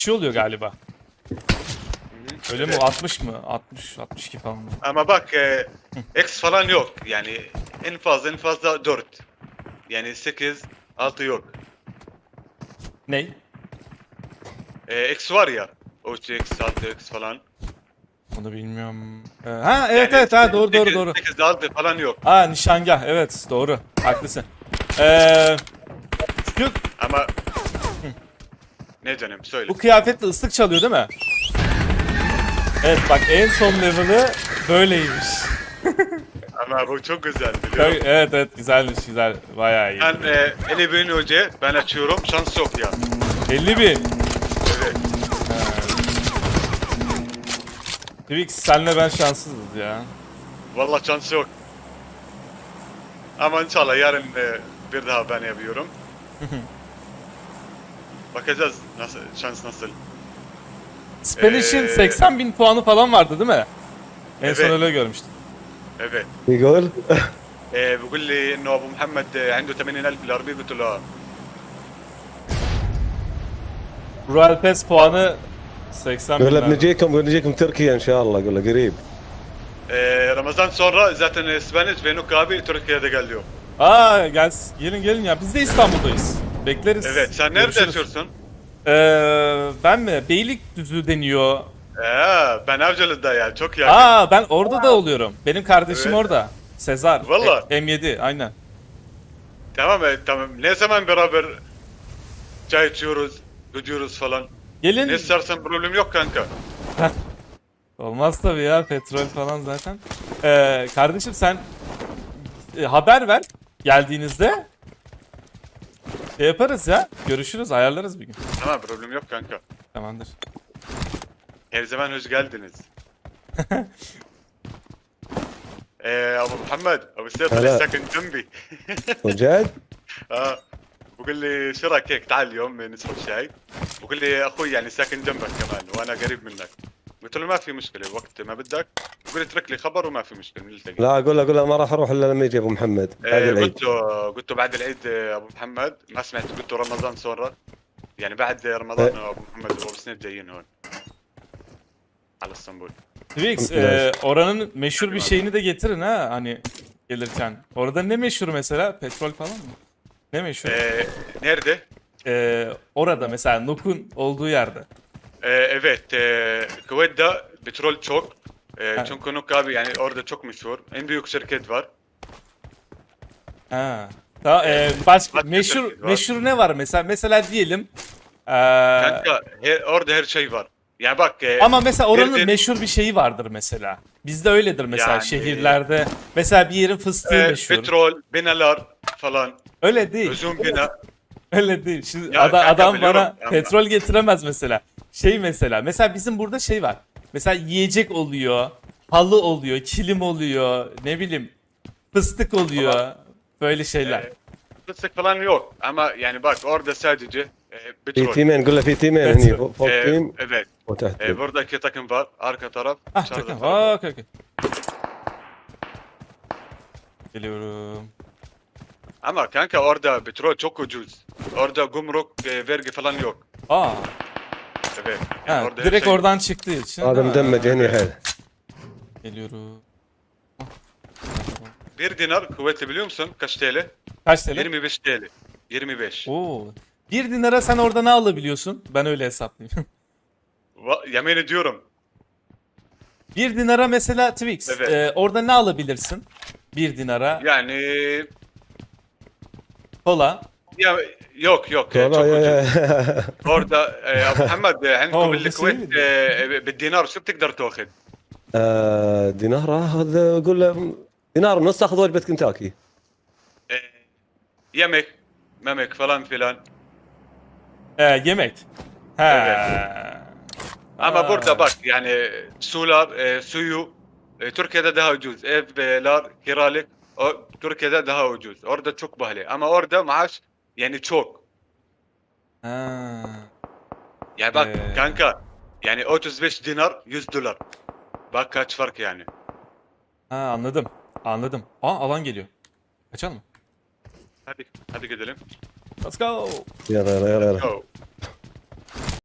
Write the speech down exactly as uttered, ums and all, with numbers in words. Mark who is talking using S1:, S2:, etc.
S1: şey oluyor galiba. Öyle mi?
S2: Evet.
S1: altmış mı? altmış, altmış iki falan mı?
S2: Ama bak e, X falan yok. Yani en fazla en fazla dört. Yani sekiz, altı yok.
S1: Ney?
S2: E, X var ya. üç X, altı X falan.
S1: Onu bilmiyorum. Ee, ha evet
S2: Yani
S1: evet ha doğru doğru doğru.
S2: sekiz, altı falan yok.
S1: Aa nişangah evet doğru. Haklısın. Ee, şu,
S2: Ama ne canım söyle.
S1: bu kıyafetle ıslık çalıyor değil mi? Evet bak en son level'ı böyleymiş.
S2: Ama bu çok güzel biliyor
S1: Tabii,
S2: musun?
S1: evet evet güzelmiş güzel. Bayağı iyi.
S2: Ben e, elli bin önce ben açıyorum şans yok ya.
S1: elli bin.
S2: Evet.
S1: Twix senle ben şanssızız ya.
S2: Vallahi şans yok. Ama inşallah yarın e, bir daha ben yapıyorum. Bakacağız nasıl şans nasıl.
S1: Spanish'in
S2: Ee,
S1: seksen bin puanı falan vardı değil mi? En son
S2: Evet.
S1: öyle görmüştüm.
S2: Evet.
S3: يقول
S2: إيه بيقول لي انه ابو محمد آه، عنده ثمانين ألف بالعربيه قلت له اه
S1: Royal Pass puanı seksen
S3: يقول له
S1: bin.
S3: بنجيكم بنجيكم تركيا ان شاء الله يقول له قريب.
S2: إيه رمضان sonra zaten اسبانيش بينك abi Türkiye'de geliyor.
S1: Aa gel, gelin gelin ya biz de İstanbul'dayız. Bekleriz.
S2: Evet sen nerede
S1: Görüşürüz.
S2: yaşıyorsun?
S1: Ee, ben mi? Beylikdüzü deniyor.
S2: Ee, ben Avcılı'da ya çok yakın.
S1: Aa ben orada da oluyorum. Benim kardeşim
S2: Evet.
S1: orada. Sezar.
S2: Vallahi.
S1: E- M yedi aynen.
S2: Tamam e, tamam. Ne zaman beraber çay içiyoruz, gidiyoruz falan.
S1: Gelin.
S2: Ne istersen problem yok kanka.
S1: Olmaz tabii ya petrol falan zaten. Ee, kardeşim sen e, haber ver geldiğinizde. Şey yaparız ya. Görüşürüz ayarlarız bir gün.
S2: Tamam problem yok kanka.
S1: Tamamdır.
S2: Her zaman hoş geldiniz. ee, Abu Muhammed, Abu Seyf
S3: هلا.
S2: ساكن جنبي.
S3: وجد؟
S2: اه بقول لي شو رايك هيك تعال اليوم نشرب شاي. بقول لي اخوي يعني ساكن جنبك كمان وانا قريب منك. قلت له ما في مشكله وقت ما بدك. بقول لي اترك لي خبر وما في مشكله نلتقي.
S3: لا اقول له اقول له ما راح اروح الا لما يجي ابو محمد بعد
S2: آه
S3: العيد.
S2: قلت له قلت له بعد العيد آه، ابو محمد ما سمعت قلت له رمضان صورة. يعني بعد رمضان ابو محمد وابو سنيد جايين هون على اسطنبول.
S1: Twix
S3: Evet.
S1: e, oranın meşhur bir şeyini de getirin ha hani gelirken. Orada ne meşhur mesela? Petrol falan mı? Ne meşhur?
S2: آه nerede?
S1: E, orada mesela Nuk'un olduğu yerde.
S2: آه evet آه Kuveyt'te petrol çok. آه
S1: Ha.
S2: çünkü Nuk abi yani orada çok meşhur. En büyük şirket var.
S1: Ha. Ta, e, başka
S2: Başka
S1: meşhur
S2: şirket var.
S1: meşhur ne var mesela? Mesela diyelim e,
S2: Kanka her, orada her şey var. Yani bak e,
S1: ama mesela oranın
S2: bir-
S1: meşhur bir şeyi vardır mesela. Bizde öyledir mesela
S2: Yani-
S1: şehirlerde. Mesela bir yerin fıstığı
S2: e,
S1: meşhur.
S2: petrol, binalar falan.
S1: Öyle değil.
S2: Uzun bina.
S1: Öyle değil. Şimdi
S2: Ya
S1: ada-
S2: kanka
S1: adam
S2: biliyorum
S1: bana
S2: ama-
S1: petrol getiremez mesela. Şey mesela. Mesela bizim burada şey var. Mesela yiyecek oluyor. Halı oluyor. Kilim oluyor. Ne bileyim. Fıstık oluyor. Böyle şeyler.
S2: e, fıstık falan yok. Ama yani bak orada sadece e,
S3: في
S2: petrol.
S3: تيمين قول له في تيمين
S1: بس-
S3: هني فوق فوق
S2: E,
S3: تيم
S2: evet.
S3: وتحت
S2: E,
S3: تيم.
S2: buradaki takım var. Arka taraf.
S1: Ah
S2: dışarıda
S1: takım.
S2: taraf.
S1: Aa, okey okey. Geliyorum.
S2: Ama kanka orada petrol çok ucuz. Orada gumruk, e, vergi falan yok.
S1: Aa.
S2: Evet. Yani
S1: Ha,
S2: orada her
S1: direkt
S2: şey-
S1: oradan çıktığı için.
S3: هذا
S1: değil mi?
S3: مدمج هني حيل.
S1: Geliyorum.
S2: Bir dinar kuvvetli biliyor musun? Kaç T L?
S1: Kaç T L?
S2: yirmi beş T L. yirmi beş.
S1: Oo. Bir dinara sen orada ne alabiliyorsun? Ben öyle hesaplayayım.
S2: Va- yemin ediyorum.
S1: Bir dinara mesela Twix.
S2: Evet.
S1: e, orada ne alabilirsin? Bir dinara.
S2: Yani
S1: Kola.
S2: ya yok yok e,
S3: والله
S2: çok
S3: يا
S2: ucuz.
S3: يا
S2: orada e, ابو محمد e, عندكم
S1: أوه،
S2: بالكويت
S1: بس
S2: e, بالدينار شو بتقدر تاخذ؟
S3: آه، دينار اخذ قول له دينار ونص اخذ وجبه كنتاكي.
S2: E, yemek, memek falan filan.
S1: E, yemek. He.
S2: Evet. Ama
S1: Aa.
S2: burada bak yani sular, e, suyu e, Türkiye'de daha ucuz. Evler, kiralık o, Türkiye'de daha ucuz. Orada çok pahalı. Ama orada maaş yani çok.
S1: Ha.
S2: Yani bak
S1: Ee.
S2: kanka yani otuz beş dinar yüz dolar. Bak kaç fark yani.
S1: Ha, anladım. Anladım. Aa alan geliyor. Kaçalım mı?
S2: Hadi hadi gidelim.
S1: Let's go.
S3: يلا يلا يلا
S2: Go.